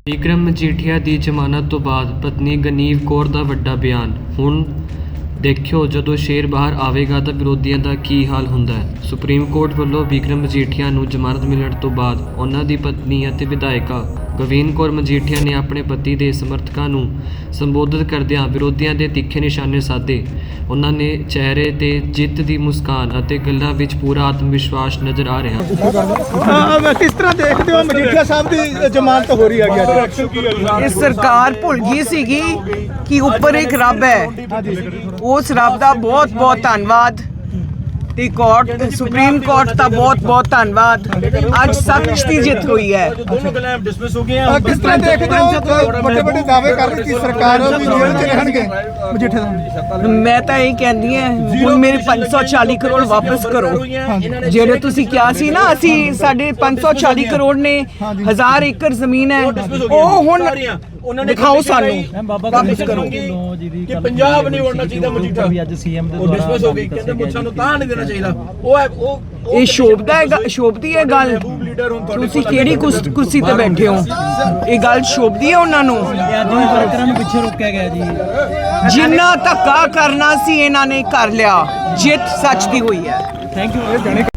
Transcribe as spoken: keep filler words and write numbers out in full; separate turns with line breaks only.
ਵਿਕਰਮ ਮਜੀਠੀਆ ਦੀ ਜ਼ਮਾਨਤ ਤੋਂ ਬਾਅਦ ਪਤਨੀ ਗਨੀਵ ਕੌਰ ਦਾ ਵੱਡਾ ਬਿਆਨ। ਹੁਣ ਦੇਖਿਓ ਜਦੋਂ ਸ਼ੇਰ ਬਾਹਰ ਆਵੇਗਾ ਤਾਂ ਵਿਰੋਧੀਆਂ ਦਾ ਕੀ ਹਾਲ ਹੁੰਦਾ ਹੈ। ਸੁਪਰੀਮ ਕੋਰਟ ਵੱਲੋਂ ਵਿਕਰਮ ਮਜੀਠੀਆ ਨੂੰ ਜ਼ਮਾਨਤ ਮਿਲਣ ਤੋਂ ਬਾਅਦ ਉਹਨਾਂ ਦੀ ਪਤਨੀ ਅਤੇ ਵਿਧਾਇਕਾ ਗਵੀਨ ਕੌਰ ਮਜੀਠੀਆ ਨੇ ਆਪਣੇ ਪਤੀ ਦੇ ਸਮਰਥਕਾਂ ਨੂੰ ਸੰਬੋਧਿਤ ਕਰਦਿਆਂ ਵਿਰੋਧੀਆਂ ਦੇ ਤਿੱਖੇ ਨਿਸ਼ਾਨੇ ਸਾਧੇ। ਉਹਨਾਂ ਨੇ ਚਿਹਰੇ 'ਤੇ ਜਿੱਤ ਦੀ ਮੁਸਕਾਨ ਅਤੇ ਗੱਲਾਂ ਵਿੱਚ ਪੂਰਾ ਆਤਮ ਵਿਸ਼ਵਾਸ ਨਜ਼ਰ ਆ ਰਿਹਾ।
ਕਿਸ ਤਰ੍ਹਾਂ ਦੇਖਦੇ ਹੋ ਮਜੀਠੀਆ ਸਾਹਿਬ ਦੀ ਜ਼ਮਾਨਤ ਹੋ ਰਹੀ ਹੈ?
ਇਹ ਸਰਕਾਰ ਭੁੱਲ ਗਈ ਸੀਗੀ ਕਿ ਉੱਪਰ ਇੱਕ ਰੱਬ ਹੈ। ਉਸ ਰੱਬ ਦਾ ਬਹੁਤ ਬਹੁਤ ਧੰਨਵਾਦ ਤੇ ਕੋਰਟ ਸੁਪਰੀਮ ਕੋਰਟ ਦਾ ਬਹੁਤ ਬਹੁਤ ਧੰਨਵਾਦ। ਅੱਜ ਸੱਚ ਦੀ ਜਿੱਤ ਹੋਈ ਹੈ।
ਕਿਸ ਤਰ੍ਹਾਂ ਦੇਖਦੇ ਹੋ ਵੱਡੇ ਵੱਡੇ ਦਾਅਵੇ ਕਰ ਰਹੀ ਸੀ ਸਰਕਾਰ ਵੀ ਜੇਲ੍ਹ 'ਚ ਰਹਿਣਗੇ ਮਜੀਠੀਆ ਸਾਹਿਬ?
ਮੈਂ ਤਾਂ ਇਹ ਕਹਿੰਦੀ ਹਾਂ ਹੁਣ ਮੇਰੇ ਪੰਜ ਸੌ ਚਾਲੀ ਕਰੋੜ ਵਾਪਸ ਕਰੋ। ਜਿਹੜੇ ਤੁਸੀਂ ਕਿਹਾ ਸੀ ਨਾ ਅਸੀਂ ਸਾਡੇ ਪੰਜ ਸੌ ਚਾਲੀ ਕਰੋੜ ਨੇ ਹਜ਼ਾਰ ਏਕੜ ਜ਼ਮੀਨ ਹੈ ਉਹ ਹੁਣ ਦਿਖਾਓ ਸਾਨੂੰ ਵਾਪਸ ਕਰੋ।
ਕਿ ਪੰਜਾਬ ਨਹੀਂ ਵੜਨਾ ਚਾਹੀਦਾ ਮਜੀਠਾ ਵੀ ਅੱਜ ਸੀਐਮ ਦੇ ਦੁਆਰਾ ਡਿਸਮਿਸ ਹੋ ਗਈ। ਕਹਿੰਦੇ ਮੁੱਛਾਂ ਨੂੰ ਤਾਂ ਨਹੀਂ ਦੇਣਾ ਚਾਹੀਦਾ। ਉਹ ਹੈ ਉਹ
ਇਹ ਸ਼ੋਭਦਾ ਹੈ ਸ਼ੋਭਦੀ ਹੈ ਗੱਲ। ਤੁਸੀਂ ਕਿਹੜੀ ਕੁਰਸੀ ਤੇ ਬੈਠੇ ਹੋ? ਇਹ ਗੱਲ ਸ਼ੋਭਦੀ ਹੈ ਉਹਨਾਂ ਨੂੰ।
ਵਰਕਰਾਂ ਨੂੰ ਪਿੱਛੇ ਰੋਕਿਆ ਗਿਆ ਜੀ।
ਜਿੰਨਾ ਧੱਕਾ ਕਰਨਾ ਸੀ ਇਹਨਾਂ ਨੇ ਕਰ ਲਿਆ। ਜਿੱਤ ਸੱਚ ਦੀ ਹੋਈ ਹੈ।
Thank you.